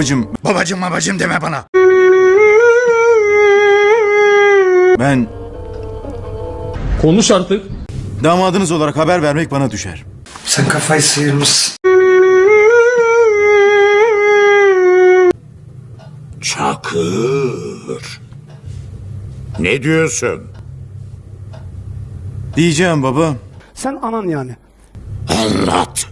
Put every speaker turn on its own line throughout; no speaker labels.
Babacım deme bana.
Ben
Konuş artık.
damadınız olarak haber vermek bana düşer.
Sen kafayı sıyırmışsın.
Çakır. Ne diyorsun?
Diyeceğim baba.
Sen anan yani.
Anlat.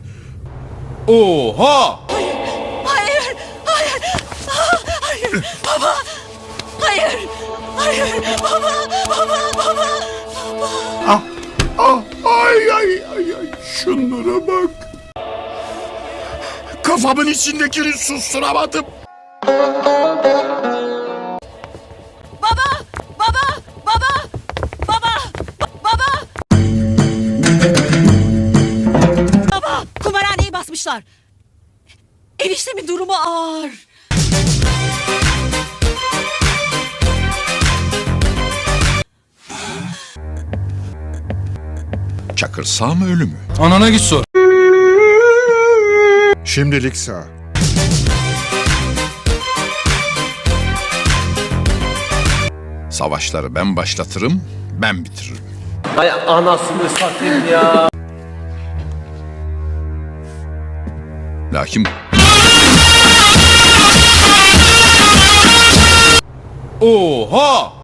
Oha!
Hayır, hayır, hayır, baba, hayır, hayır, baba, baba.
Ay. Şunlara bak. Kafamın içindekini susturamadım.
Baba, kumarhaneyi basmışlar. Eniştemin durumu ağır.
Çakır sağ mı ölü mü?
Anana git sor.
Şimdilik sağ. Savaşları ben başlatırım, ben bitiririm.
Hay anasını satayım ya.
Lakin
Oha!